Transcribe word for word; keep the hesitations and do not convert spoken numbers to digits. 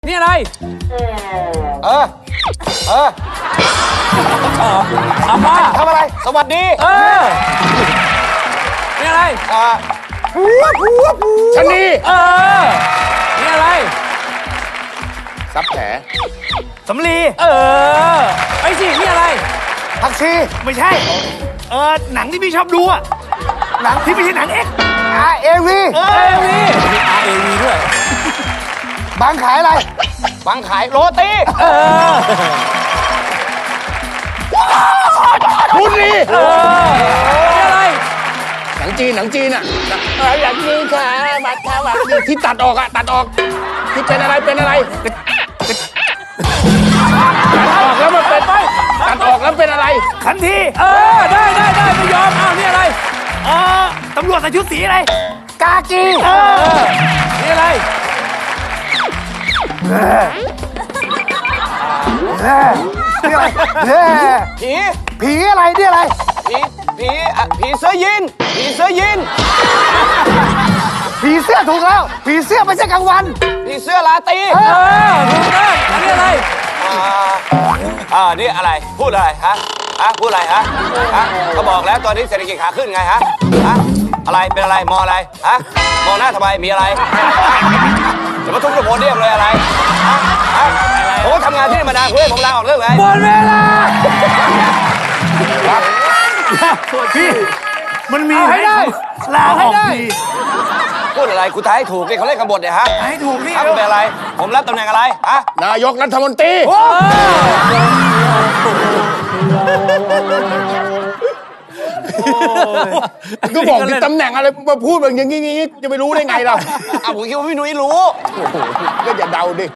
นี่อะไรเออ เอออาม่าทำอะไร สวัสดีเออ นี่อะไรอ่าผัวผัวผัวชะนีเออ นี่อะไรซับแผลสำลีเออ ไอ้สิ นี่อะไรผักชีไม่ใช่ เออหนังที่พี่ชอบดูอะหนังที่ไม่ใช่หนังเอ็กซ์อาเอวีเอวีมี อาร์ เอ วี ด้วยบางขายอะไร บางขายโรตีเออบุรีเออ นี่อะไรหนังจีน หนังจีนอ่ะหนังจีนค่ะบัตรค่ะบัตรที่ตัดออกอ่ะ ตัดออก ที่เป็นอะไร เป็นอะไร ตัดออกแล้วมันเป็นไปตัดออกแล้วเป็นอะไรขันทีเออ ได้ได้ได้ไม่ยอม อ้าว นี่อะไรเออตำรวจใส่ชุดสีอะไรกากีเออ นี่อะไรนี่อะไรผี ผีอะไรนี่อะไร ผี ผีอ่ะผีเสื้อยีนผีเสื้อยีนผีเสื้อถูกแล้ว ผีเสื้อไม่ใช่กลางวัน ผีเสื้อลาตรีเออ ถูกต้องอันนี้อะไรอ่าอ่านี่อะไร พูดอะไร ฮะ ฮะ พูดอะไร ฮะ ฮะก็บอกแล้วตอนนี้เศรษฐกิจขาขึ้นไง ฮะ ฮะ อะไร เป็นอะไร มองอะไร ฮะ มองหน้าทำไม มีอะไรฮะจะมาทุบกระโปรงเรียกเลยอะไร ฮะ ฮะ ผมก็ทำงานที่นี่มานานคุณให้ผมลาออกเรื่องไงหมดเวลาพี่ มันมีเอาให้ได้ลาเอาให้ออกได้ดีพูดอะไรกูทายให้ถูกนี่เขาเล่นกันบทเนี่ยฮะให้ถูกพี่ฮะคุณเป็นอะไร ผมรับตำแหน่งอะไร ฮะนายกรัฐมนตรี ก็บอกถึงตำแหน่งอะไรมาพูดแบบอย่างนี้จะไปรู้ได้ไงล่ะอ้าวผมคิดว่าพี่นุ้ยรู้ก็อย่าเดาดิ